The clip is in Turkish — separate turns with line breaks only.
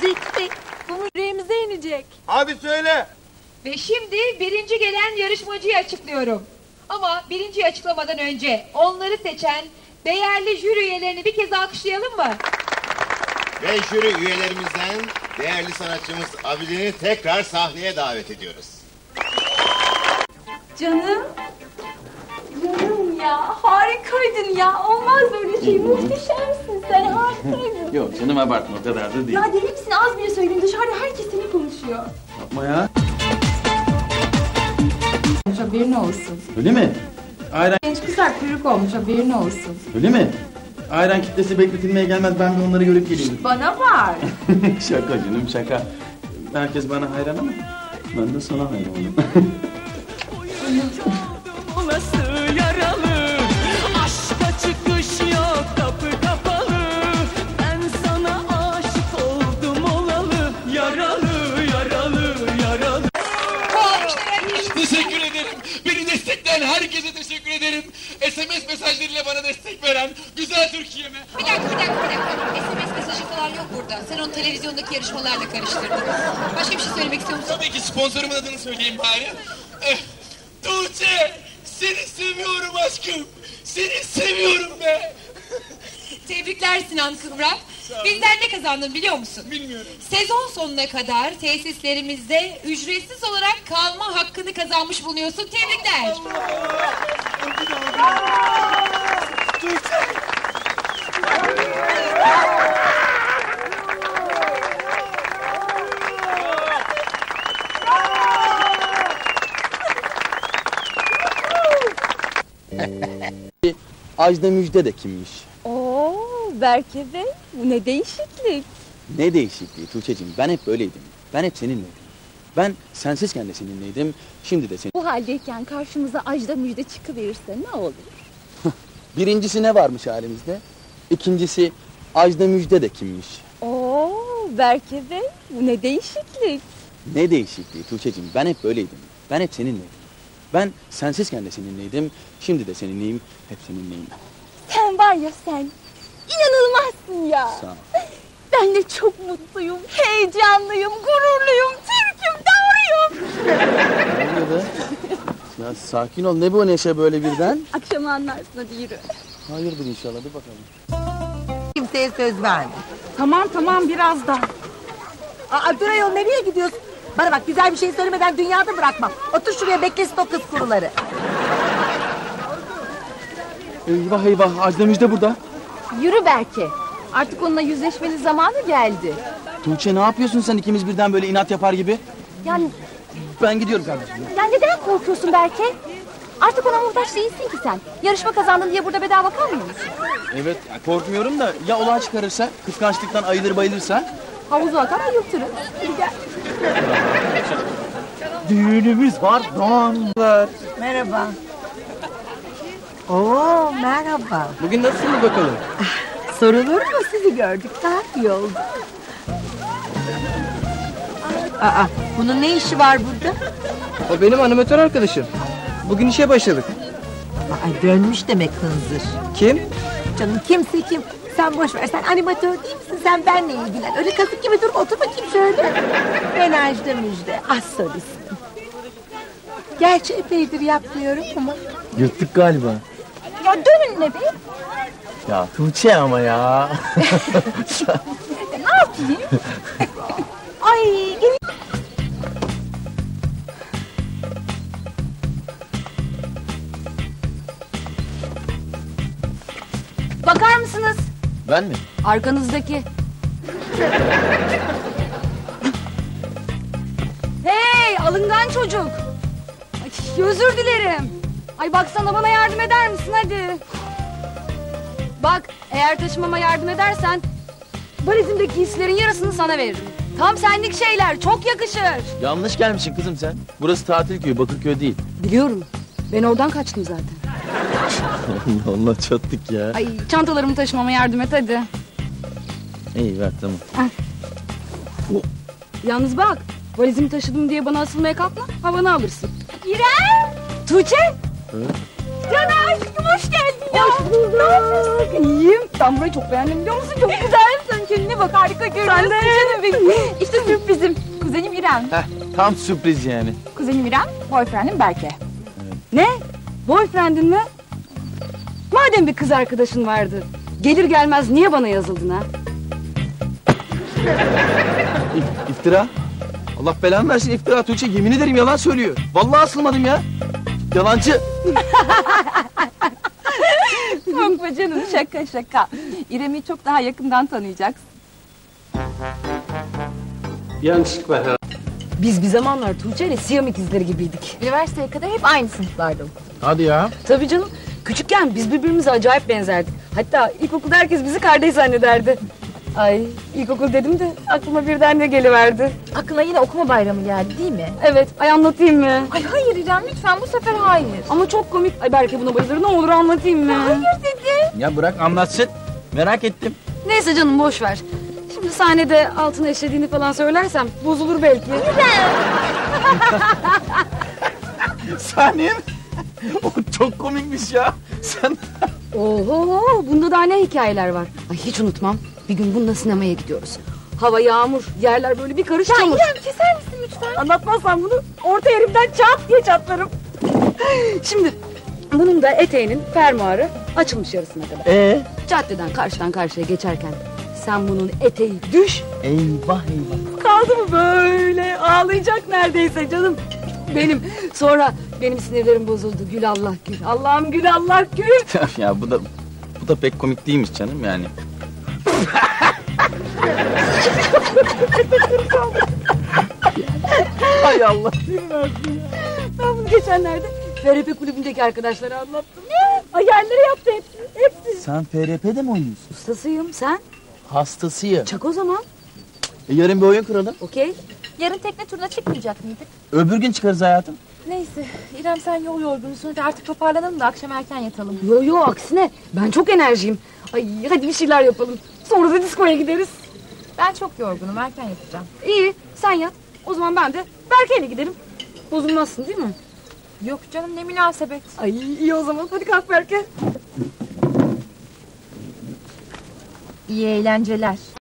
Zeki, bu yüreğimize inecek.
Abi söyle.
Ve şimdi birinci gelen yarışmacıyı açıklıyorum. Ama birinciyi açıklamadan önce onları seçen değerli jüri üyelerini bir kez alkışlayalım mı?
Ve jüri üyelerimizden değerli sanatçımız Abidin'i tekrar sahneye davet ediyoruz.
Canım. Canım ya, harikaydın ya. Olmaz böyle şey, muhteşemsin sen, harikaydın.
Yok canım, abartma, o kadar da değil.
Ya deli misin? Az bile söyledim, dışarıda herkes seni konuşuyor.
Yapma ya.
Haberin olsun.
Öyle mi? Ayran...
Genç kızlar kuyruk olmuş, haberin olsun.
Öyle mi? Ayran kitlesi bekletilmeye gelmez, ben de onları görüp geliyorum.
Bana var.
Şaka canım, şaka. Herkes bana hayran ama ben de sana hayranım.
Olası yaralı, aşka çıkış yok, kapı kapalı. Ben sana aşık oldum olalı, yaralı, yaralı, yaralı.
Teşekkür ederim. Beni destekleyen herkese teşekkür ederim. SMS mesajlarıyla bana destek veren güzel Türkiye'me.
Bir dakika. SMS mesajı falan yok burada. Sen onu televizyondaki yarışmalarla karıştırdın. Başka bir şey söylemek istiyor musun?
Tabii ki sponsorumun adını söyleyeyim bari. Tuğçe, seni seviyorum aşkım. Seni seviyorum be.
Tebrikler Sinan Kıvrak. Bizden ne kazandın biliyor musun?
Bilmiyorum.
Sezon sonuna kadar tesislerimizde ücretsiz olarak kalma hakkını kazanmış bulunuyorsun. Tebrikler.
Ajda Müjde de kimmiş?
Oo, Berke Bey, bu ne değişiklik.
Ne değişikliği Tuğçe'cim, ben hep böyleydim. Ben hep seninleydim. Ben sensizken de seninleydim, şimdi de senin.
Bu haldeyken karşımıza Ajda Müjde çıkıverirse ne olur?
Birincisi ne varmış halimizde? İkincisi Ajda Müjde de kimmiş?
Oo, Berke Bey, bu ne değişiklik.
Ne değişikliği Tuğçe'cim, ben hep böyleydim. Ben hep seninleydim. Ben sensizken de seninleydim, şimdi de seninleyim, hep seninleyim.
Sen var ya sen, inanılmazsın ya.
Sağ ol.
Ben de çok mutluyum, heyecanlıyım, gururluyum, Türk'üm, doğruyum.
Ne oluyor be? Ya sakin ol, ne bu neşe böyle birden?
Akşama anlarsın, hadi yürü.
Hayırdır inşallah, bir bakalım.
Kimseye söz verme.
Tamam, birazdan.
Dur ayol, nereye gidiyorsun? Bana bak, güzel bir şey söylemeden dünyada bırakmam. Otur şuraya, beklesin o kız kuruları.
Eyvah, Ajda Müjde burada.
Yürü Berke, artık onunla yüzleşmenin zamanı geldi.
Tuğçe ne yapıyorsun sen, ikimiz birden böyle inat yapar gibi?
Yani
Ben gidiyorum kardeşim.
neden korkuyorsun Berke? Artık ona muhtaç değilsin ki sen. Yarışma kazandın diye burada bedava kalmıyor musun?
Evet, korkmuyorum da ya olay çıkarırsa, kıskançlıktan ayılır bayılırsa?
Havuza atar ayıltırım. Hadi gel.
Düğünümüz var, donlar.
Merhaba. Oo, merhaba.
Bugün nasılsınız bakalım?
Sorulur mu, sizi gördük, daha iyi oldu. Bunun ne işi var burada?
O benim animatör arkadaşım. Bugün işe başladık.
Dönmüş demek hınzır.
Kim?
Canım kimse kim? Sen boş ver, sen animatör değil misin? Sen benle ilgilen. Öyle kasık gibi durma, otur bakayım şöyle. Ben Ajda Müjde, az sorusun. Gerçi epeydir yapmıyorum ama.
Yırttık galiba.
Ya dönün ne be?
Ya Tuğçe ama ya.
Ne yapayım? Ay gel. Bakar mısınız?
Ben mi?
Arkanızdaki. Hey alıngan çocuk. Ay, özür dilerim. Ay baksana, bana yardım eder misin hadi. Bak, eğer taşımama yardım edersen valizimdeki giysilerin yarısını sana veririm. Tam senlik şeyler, çok yakışır.
Yanlış gelmişsin kızım sen. Burası tatil köyü, Bakırköy değil.
Biliyorum. Ben oradan kaçtım zaten.
Allah çattık ya.
Ay çantalarımı taşımama yardım et hadi.
İyi ver tamam.
Yalnız bak, valizimi taşıdım diye bana asılmaya kalkma, havanı alırsın. İrem! Tuğçe! Can aşkım hoş geldin ya. Hoş bulduk. Ne yapıyorsun? İyiyim. Ben burayı çok beğendim biliyor musun? Çok güzelsin
kendine bak, harika görünüyorsun.
Sen de.
Canım benim. İşte sürprizim. Kuzenim İrem.
Heh, tam sürpriz yani.
Kuzenim İrem, boyfriendim Berke.
Ne? Boyfriendin mi? Madem bir kız arkadaşın vardı, gelir gelmez niye bana yazıldın ha?
İftira. Allah belanı versin iftira Tuğçe. Yemin ederim yalan söylüyor. Vallahi asılmadım ya. Yalancı.
Korkma canım, şaka şaka. İrem'i çok daha yakından tanıyacaksın.
Yanlışlık var ha.
Biz bir zamanlar Tuğçe ile Siyam ikizleri gibiydik.
Üniversiteye kadar hep aynı sınıflarda okuduk.
Hadi ya.
Tabii canım, küçükken biz birbirimize acayip benzerdik. Hatta ilkokulda herkes bizi kardeş zannederdi. Ay, ilkokul dedim de aklıma birden ne geliverdi.
Aklına yine okuma bayramı geldi değil mi?
Evet, ay anlatayım mı?
Ay hayır İrem, lütfen bu sefer hayır.
Ama çok komik. Ay belki buna bayılır, ne olur anlatayım mı?
Hayır dedi.
Ya bırak anlatsın. Merak ettim.
Neyse canım, boş ver. Şimdi sahnede altına eşlediğini falan söylersem bozulur belki.
Saniye mi? O çok komikmiş ya. Sen...
Oho, bunda daha ne hikayeler var. Ay hiç unutmam. Bir gün bununla sinemaya gidiyoruz. Hava yağmur, yerler böyle bir karış çamur.
İrem keser misin lütfen?
Anlatmazsam bunu orta yerimden çat diye çatlarım. Şimdi bunun da eteğinin fermuarı açılmış yarısına kadar. Caddeden karşıdan karşıya geçerken sen bunun eteği düş.
Eyvah eyvah.
Kaldı mı böyle ağlayacak neredeyse canım. Sonra benim sinirlerim bozuldu. Gül Allah gül. Allah'ım gül Allah gül.
Ya bu da pek komik değilmiş canım yani. Hay Allah.
Ben bunu geçenlerde FRP kulübündeki arkadaşlara anlattım. Ne? Hayalleri yaptı hepsi.
Sen FRP'de mi oynuyorsun?
Ustasıyım, sen?
Hastasıyım.
Çak o zaman.
Yarın bir oyun kuralım.
Okey.
Yarın tekne turuna çıkmayacak mıydık?
Öbür gün çıkarız hayatım.
Neyse İrem, sen yol yorgunusun, hadi artık toparlanalım da akşam erken yatalım.
Yo aksine ben çok enerjiyim. Ay hadi bir şeyler yapalım. Sonra da diskoya gideriz.
Ben çok yorgunum, erken yatacağım.
İyi, sen yat. O zaman ben de Berke'yle giderim. Bozulmazsın değil mi?
Yok canım, ne münasebet.
Ay iyi o zaman, hadi kalk Berke.
İyi eğlenceler.